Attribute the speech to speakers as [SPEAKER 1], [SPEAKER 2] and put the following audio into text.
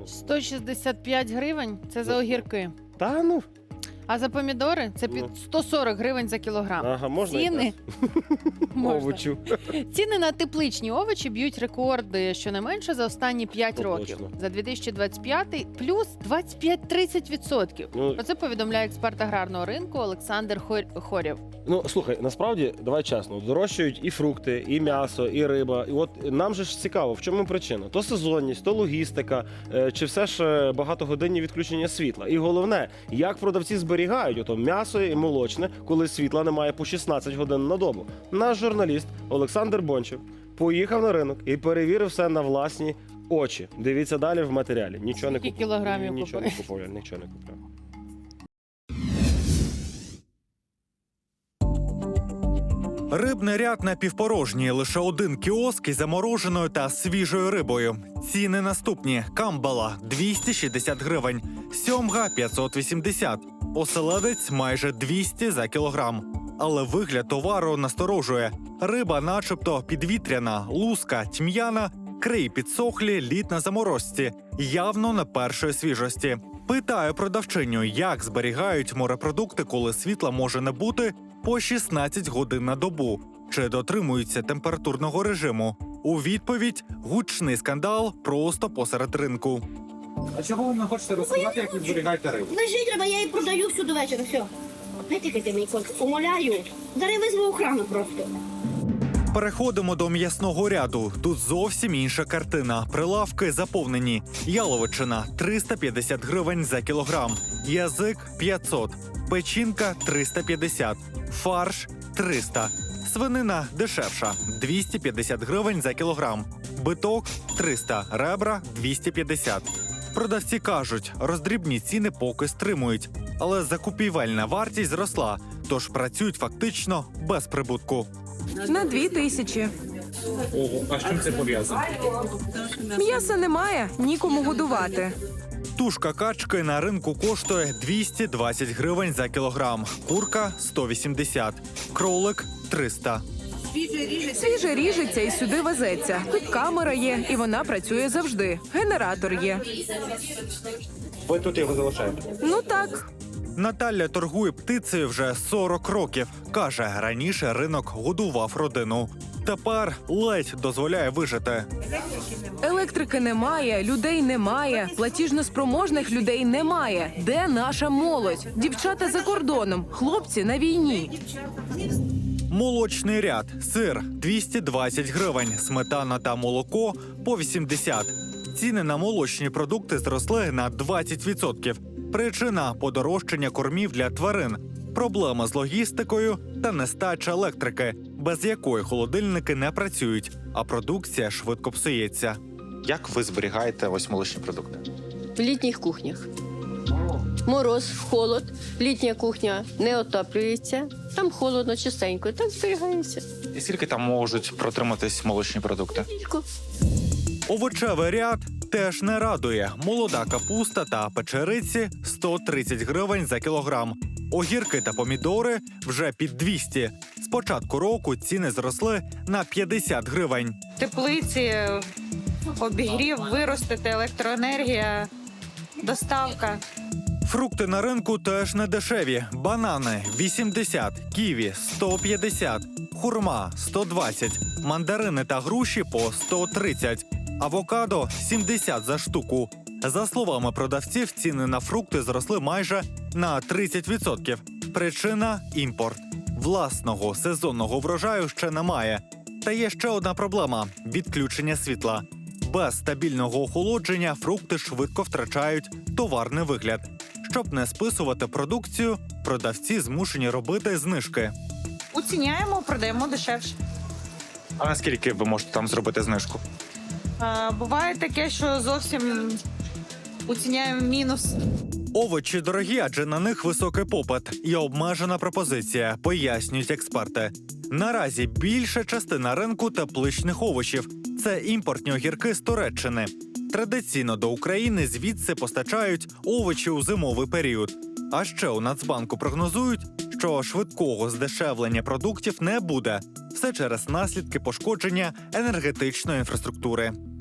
[SPEAKER 1] 165 гривень – це за огірки.
[SPEAKER 2] Та ну.
[SPEAKER 1] А за помідори – це під 140 гривень за кілограм.
[SPEAKER 2] Ага, можна
[SPEAKER 1] Ціни... Можна.
[SPEAKER 2] овочів.
[SPEAKER 1] Ціни на тепличні овочі б'ють рекорди щонайменше за останні 5 років.
[SPEAKER 2] Точно.
[SPEAKER 1] За 2025 плюс 25-30%.
[SPEAKER 2] Ну,
[SPEAKER 1] Про це повідомляє експерт аграрного ринку Олександр Хорєв.
[SPEAKER 2] Ну, слухай, насправді, давай чесно, дорожчають і фрукти, і м'ясо, і риба. І от нам же ж цікаво, в чому причина? То сезонність, то логістика, чи все ж багатогодинні відключення світла. І головне, як продавці зберігають ото м'ясо і молочне, коли світла немає по 16 годин на добу. Наш журналіст Олександр Бончев поїхав на ринок і перевірив все на власні очі. Дивіться далі в матеріалі. Нічого не
[SPEAKER 1] Скільки
[SPEAKER 2] купив.
[SPEAKER 1] кілограмів
[SPEAKER 2] Нічого
[SPEAKER 1] купив?
[SPEAKER 2] не купив, нічого не купив.
[SPEAKER 3] Рибний ряд напівпорожній, лише один кіоск із замороженою та свіжою рибою. Ціни наступні. Камбала – 260 гривень, сьомга – 580, оселедець – майже 200 за кілограм. Але вигляд товару насторожує. Риба начебто підвітряна, луска, тьм'яна, краї підсохлі, лід на заморозці. Явно не першої свіжості. Питаю продавчиню, як зберігають морепродукти, коли світла може не бути по 16 годин на добу. Чи дотримуються температурного режиму? У відповідь – гучний скандал просто посеред ринку.
[SPEAKER 4] А чого ви не хочете розказати, як ви зберігаєте рибу?
[SPEAKER 5] Лежить треба, я її продаю всю до вечора, все. Не тикайте мені, котик, умоляю. Зараз визву охрану просто.
[SPEAKER 3] Переходимо до м'ясного ряду. Тут зовсім інша картина. Прилавки заповнені. Яловичина – 350 гривень за кілограм. Язик – 500. Печінка – 350. Фарш – 300. Свинина дешевша – 250 гривень за кілограм. Биток – 300. Ребра – 250. Продавці кажуть, роздрібні ціни поки стримують. Але закупівельна вартість зросла, тож працюють фактично без прибутку.
[SPEAKER 6] На 2000.
[SPEAKER 4] Ого, а з чим це пов'язано?
[SPEAKER 6] М'яса немає, нікому годувати.
[SPEAKER 3] Тушка качки на ринку коштує 220 гривень за кілограм, курка – 180, кролик – 300.
[SPEAKER 6] Свіже ріжеться і сюди везеться. Тут камера є, і вона працює завжди. Генератор є.
[SPEAKER 4] Ви тут його залишаєте?
[SPEAKER 6] Ну так.
[SPEAKER 3] Наталя торгує птицею вже 40 років. Каже, раніше ринок годував родину. Тепер ледь дозволяє вижити.
[SPEAKER 6] Електрики немає, людей немає, платіжноспроможних людей немає. Де наша молодь? Дівчата за кордоном, хлопці на війні.
[SPEAKER 3] Молочний ряд. Сир – 220 гривень, сметана та молоко – по 80. Ціни на молочні продукти зросли на 20%. Причина – подорожчання кормів для тварин, проблема з логістикою та нестача електрики, без якої холодильники не працюють, а продукція швидко псується.
[SPEAKER 7] Як ви зберігаєте ось молочні продукти?
[SPEAKER 8] В літніх кухнях. Мороз, холод, літня кухня не отоплюється, там холодно, чистенько, так зберігається.
[SPEAKER 7] І скільки там можуть протриматись молочні продукти?
[SPEAKER 8] Тільки.
[SPEAKER 3] Овочевий ряд теж не радує. Молода капуста та печериці – 130 гривень за кілограм. Огірки та помідори – вже під 200. З початку року ціни зросли на 50 гривень.
[SPEAKER 9] Теплиці, обігрів, виростити, електроенергія, доставка.
[SPEAKER 3] Фрукти на ринку теж не дешеві. Банани – 80, ківі – 150, хурма – 120, мандарини та груші – по 130, авокадо – 70 за штуку. За словами продавців, ціни на фрукти зросли майже на 30%. Причина – імпорт. Власного сезонного врожаю ще немає. Та є ще одна проблема – відключення світла. Без стабільного охолодження фрукти швидко втрачають товарний вигляд. Щоб не списувати продукцію, продавці змушені робити знижки.
[SPEAKER 9] Уціняємо, продаємо дешевше.
[SPEAKER 7] А наскільки ви можете там зробити знижку?
[SPEAKER 9] Буває таке, що зовсім уціняємо мінус.
[SPEAKER 3] Овочі дорогі, адже на них високий попит і обмежена пропозиція, пояснюють експерти. Наразі більша частина ринку тепличних овочів – це імпортні огірки з Туреччини. Традиційно до України звідси постачають овочі у зимовий період. А ще у Нацбанку прогнозують, що швидкого здешевлення продуктів не буде. Все через наслідки пошкодження енергетичної інфраструктури.